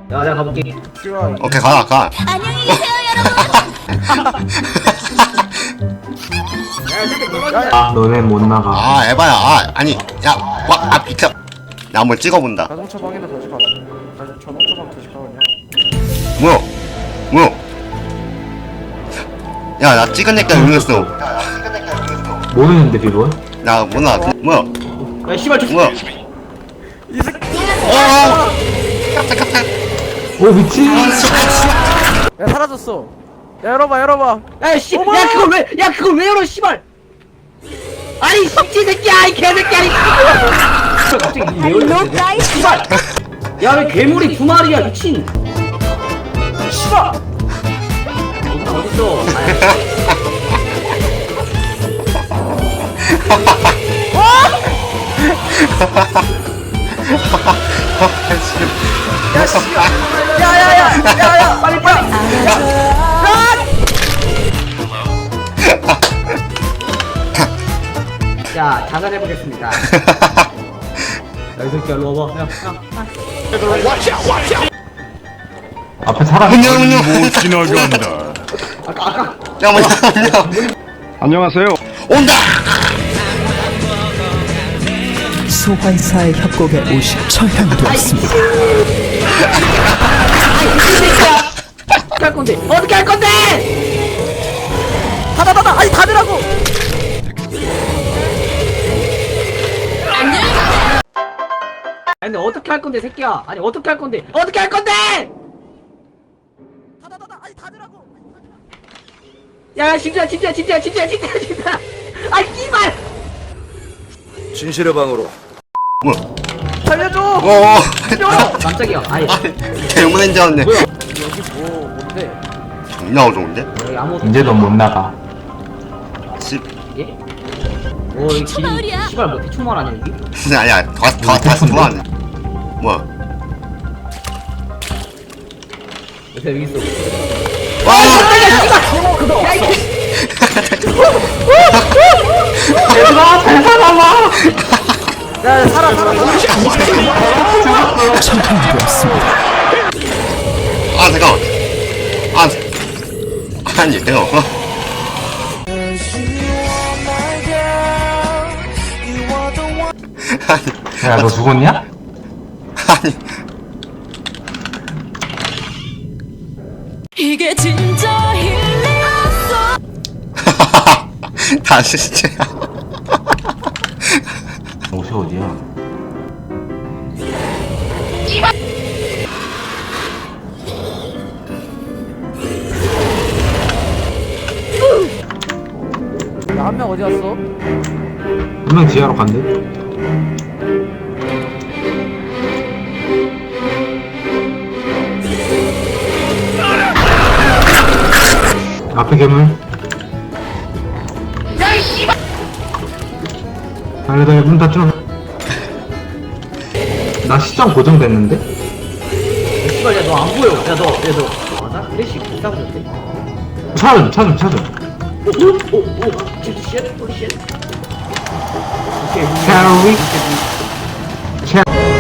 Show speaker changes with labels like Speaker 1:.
Speaker 1: 야, 내가 가볼게.
Speaker 2: 오케이 가.
Speaker 3: 안녕히 계세요,
Speaker 4: 너네 못 나가.
Speaker 2: 아 에바야. 아니 야와 비켜. 나 한번 찍어본다.
Speaker 5: 자동차 방이나 다시 가. 자동차 방 다시 가 그냥.
Speaker 2: 뭐야? 야 나 찍은 애가 응했어.
Speaker 4: 모르는데 비번?
Speaker 2: 나 뭐나 뭐야?
Speaker 1: 야, 씨발, 저
Speaker 2: 뭐야?
Speaker 5: 이 새끼.
Speaker 2: 깜짝.
Speaker 4: 오 미친.
Speaker 5: 야 사라졌어. 야 열어봐.
Speaker 1: 야, 씨, 야, 그걸 왜 열어, 씨발! 아니, 미친 새끼야, 이 개새끼야, 이 갑자기 왜 열어, 씨발! 야, 왜 괴물이 두 마리야, 미친! 씨발! 어딨어?
Speaker 5: 야야야야야 빨리.
Speaker 1: 자, 자살해보겠습니다. 야, 이 새끼야, 일로 와봐. 야.
Speaker 4: 앞에 사람.
Speaker 2: 못
Speaker 6: 지나간다.
Speaker 2: 야 뭐야?
Speaker 6: 안녕하세요.
Speaker 2: 온다.
Speaker 7: 소환사의 협곡에 오신 처형되었습니다.
Speaker 1: 어떻게 할 건데? 어떻게 할 건데?
Speaker 5: 닫아. 아니 닫으라고.
Speaker 1: 아니, 근데 어떻게 할 건데, 새끼야? 아니, 어떻게 할 건데? 어떻게 할 건데?
Speaker 5: 닫아. 아니 닫으라고.
Speaker 1: 야, 진짜. 아, 씨발!
Speaker 6: 진실의 방으로.
Speaker 2: 뭐야?
Speaker 5: 살려줘.
Speaker 1: 깜짝이야. 아니,
Speaker 2: 대문인 줄 알았네.
Speaker 1: 뭐야?
Speaker 5: 여기 뭔데?
Speaker 2: 존나 어려운데?
Speaker 1: 여기 아무것도
Speaker 4: 이제 넌 못 나가.
Speaker 2: 씨.
Speaker 1: 예? 오, 이 길이 씨발 뭐 대충 말하냐 여기?
Speaker 2: 아니야 다시 좋아하네. 뭐야?
Speaker 1: 요새 여기 있어.
Speaker 2: 와!
Speaker 4: 얘들아 잘 살아봐.
Speaker 5: 야 살아.
Speaker 7: 처형되었습니다.
Speaker 2: 아 잠깐만. 아니 잠깐만.
Speaker 4: 야 너 죽었냐?
Speaker 2: 아니
Speaker 3: 이게 진짜 힐링이었어.
Speaker 2: 다시 진짜.
Speaker 4: 옷이 어디야?
Speaker 5: 야 한 명 어디 갔어?
Speaker 4: 분명 지하로 간대. 앞에 괴물. 달려 문 닫혀. 나 시점 고정됐는데?
Speaker 1: 씨발 야 너 안 보여. 야 너 맞아? 플래시 비싸졌대.
Speaker 4: 찾아.
Speaker 1: 오, 진짜 쉣, 홀리 쉣. 오케이,
Speaker 4: 캐리.